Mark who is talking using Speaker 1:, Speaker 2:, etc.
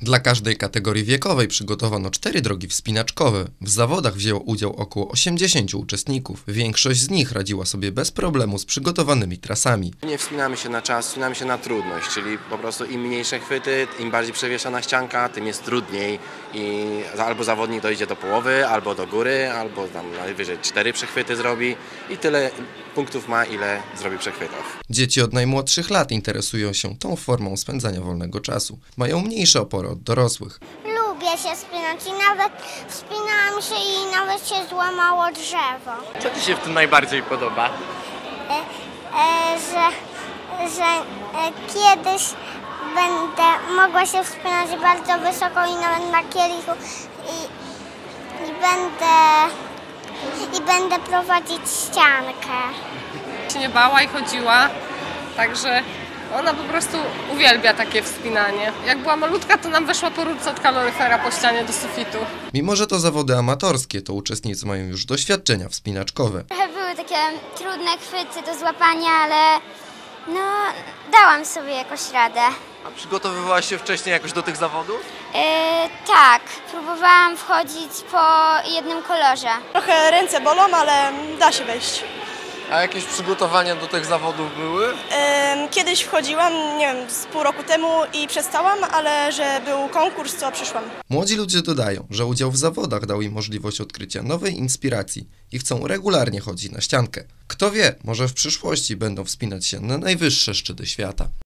Speaker 1: Dla każdej kategorii wiekowej przygotowano 4 drogi wspinaczkowe. W zawodach wzięło udział około 80 uczestników. Większość z nich radziła sobie bez problemu z przygotowanymi trasami.
Speaker 2: Nie wspinamy się na czas, wspinamy się na trudność, czyli po prostu im mniejsze chwyty, im bardziej przewieszana ścianka, tym jest trudniej i albo zawodnik dojdzie do połowy, albo do góry, albo tam najwyżej 4 przechwyty zrobi i tyle punktów ma, ile zrobi przechwytów.
Speaker 1: Dzieci od najmłodszych lat interesują się tą formą spędzania wolnego czasu. Mają mniejsze opory od dorosłych.
Speaker 3: Lubię się wspinać i nawet wspinałam się i nawet się złamało drzewo.
Speaker 4: Co Ci się w tym najbardziej podoba?
Speaker 3: Że kiedyś będę mogła się wspinać bardzo wysoko i nawet na kielichu i będę prowadzić ściankę.
Speaker 5: Się nie bała i chodziła, także ona po prostu uwielbia takie wspinanie. Jak była malutka, to nam weszła po rurce od kaloryfera po ścianie do sufitu.
Speaker 1: Mimo że to zawody amatorskie, to uczestnicy mają już doświadczenia wspinaczkowe.
Speaker 3: Trochę były takie trudne chwyty do złapania, ale dałam sobie jakoś radę.
Speaker 4: A przygotowywałaś się wcześniej jakoś do tych zawodów?
Speaker 3: Tak, próbowałam wchodzić po jednym kolorze.
Speaker 6: Trochę ręce bolą, ale da się wejść.
Speaker 4: A jakieś przygotowania do tych zawodów były?
Speaker 6: Kiedyś wchodziłam, nie wiem, z pół roku temu i przestałam, ale że był konkurs, to przyszłam.
Speaker 1: Młodzi ludzie dodają, że udział w zawodach dał im możliwość odkrycia nowej inspiracji i chcą regularnie chodzić na ściankę. Kto wie, może w przyszłości będą wspinać się na najwyższe szczyty świata.